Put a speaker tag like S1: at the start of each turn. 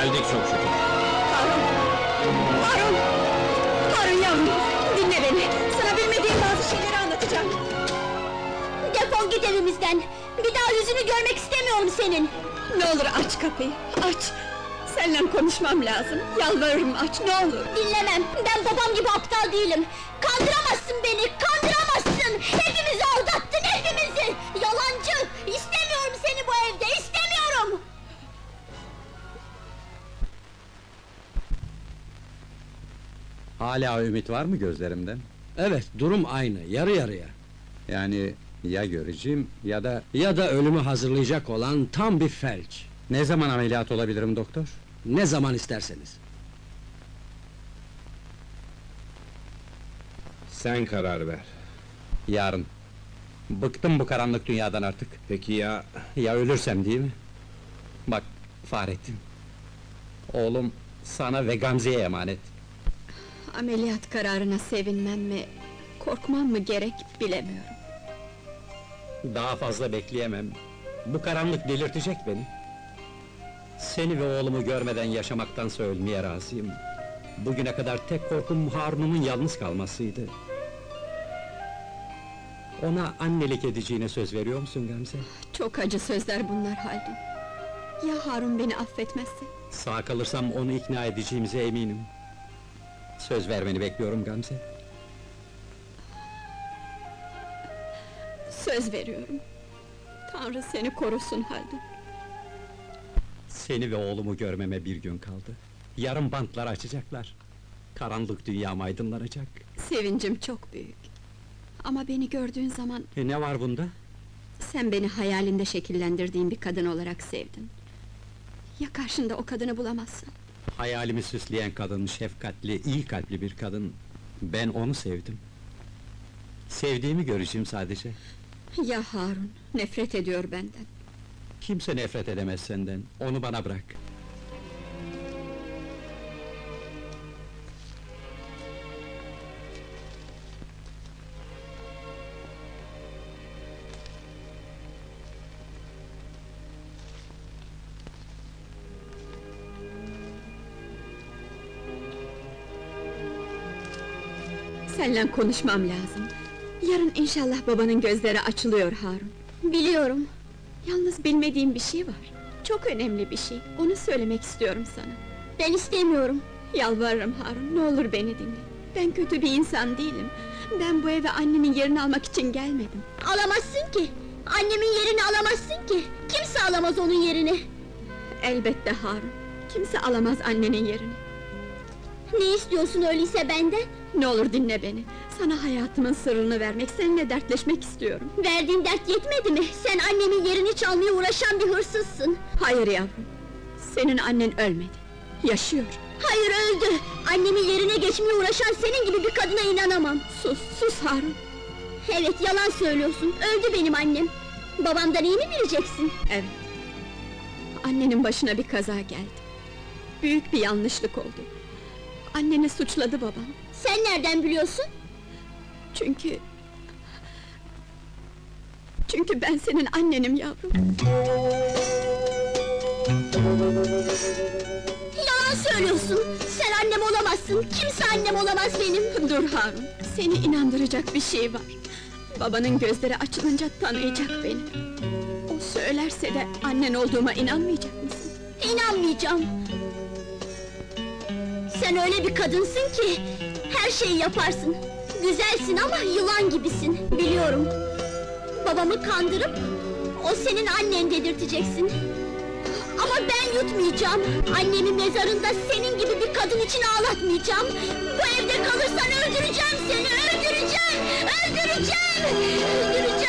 S1: Geldik çok şükür.
S2: Harun! Harun! Harun yavrum! Dinle beni! Sana bilmediğim bazı şeyleri anlatacağım.
S3: Defol git evimizden! Bir daha yüzünü görmek istemiyorum senin!
S2: Ne olur aç kapıyı, aç! Seninle konuşmam lazım, yalvarırım aç, ne olur!
S3: Dinlemem! Ben babam gibi aptal değilim! Kandıramazsın beni, kandıramazsın! Hepimizi aldattın, hepimizi! Yalancı! İstemiyorum seni bu evde, istemiyorum!
S4: Hala ümit var mı gözlerimden?
S1: Evet, durum aynı, yarı yarıya.
S4: Yani ya göreceğim ya da...
S1: Ya da ölümü hazırlayacak olan tam bir felç.
S4: Ne zaman ameliyat olabilirim doktor?
S1: Ne zaman isterseniz.
S5: Sen karar ver.
S4: Yarın. Bıktım bu karanlık dünyadan artık.
S5: Peki ya...
S4: Ya ölürsem değil mi? Bak Fahrettin. Oğlum sana ve Gamze'ye emanet.
S2: Ameliyat kararına sevinmem mi, korkmam mı gerek bilemiyorum.
S4: Daha fazla bekleyemem. Bu karanlık delirtecek beni. Seni ve oğlumu görmeden yaşamaktansa ölmeye razıyım. Bugüne kadar tek korkum Harun'umun yalnız kalmasıydı. Ona annelik edeceğine söz veriyor musun Gamze?
S2: Çok acı sözler bunlar Haldun. Ya Harun beni affetmezse?
S4: Sağ kalırsam onu ikna edeceğimize eminim. Söz vermeni bekliyorum Gamze.
S2: Söz veriyorum. Tanrı seni korusun Haldun.
S4: Seni ve oğlumu görmeme bir gün kaldı. Yarın bantları açacaklar. Karanlık dünyam aydınlanacak.
S2: Sevincim çok büyük. Ama beni gördüğün zaman
S4: Ne var bunda?
S2: sen beni hayalinde şekillendirdiğin bir kadın olarak sevdin. Ya karşında o kadını bulamazsın?
S4: Hayalimi süsleyen kadın, şefkatli, iyi kalpli bir kadın. Ben onu sevdim. Sevdiğimi göreceğim sadece.
S2: Ya Harun, nefret ediyor benden.
S4: Kimse nefret edemez senden, onu bana bırak.
S2: Seninle konuşmam lazım. Yarın inşallah babanın gözleri açılıyor Harun.
S3: Biliyorum!
S2: Yalnız bilmediğim bir şey var. Çok önemli bir şey, onu söylemek istiyorum sana.
S3: Ben istemiyorum!
S2: Yalvarırım Harun, ne olur beni dinle. Ben kötü bir insan değilim. Ben bu eve annemin yerini almak için gelmedim.
S3: Alamazsın ki! Annemin yerini alamazsın ki! Kimse alamaz onun yerini!
S2: Elbette Harun, kimse alamaz annenin yerini.
S3: Ne istiyorsun öyleyse benden?
S2: Ne olur dinle beni. Sana hayatımın sırrını vermek, seninle dertleşmek istiyorum.
S3: Verdiğin dert yetmedi mi? Sen annemin yerini çalmaya uğraşan bir hırsızsın!
S2: Hayır yavrum, senin annen ölmedi, yaşıyor.
S3: Hayır, öldü! Annemin yerine geçmeye uğraşan senin gibi bir kadına inanamam!
S2: Sus, sus Harun!
S3: Evet, yalan söylüyorsun, öldü benim annem! Babamdan iyi mi bileceksin?
S2: Evet. Annenin başına bir kaza geldi. Büyük bir yanlışlık oldu. Anneni suçladı babam.
S3: Sen nereden biliyorsun?
S2: Çünkü ben senin annenim yavrum.
S3: Yalan söylüyorsun! Sen annem olamazsın! Kimse annem olamaz benim!
S2: Dur Harun, seni inandıracak bir şey var. Babanın gözleri açılınca tanıyacak beni. O söylerse de annen olduğuma inanmayacak mısın?
S3: İnanmayacağım! Sen öyle bir kadınsın ki, her şeyi yaparsın! Güzelsin ama yılan gibisin, biliyorum! Babamı kandırıp, o senin annen dedirteceksin! Ama ben yutmayacağım! Annemi mezarında senin gibi bir kadın için ağlatmayacağım! Bu evde kalırsan öldüreceğim seni, öldüreceğim! Öldüreceğim! Öldüreceğim!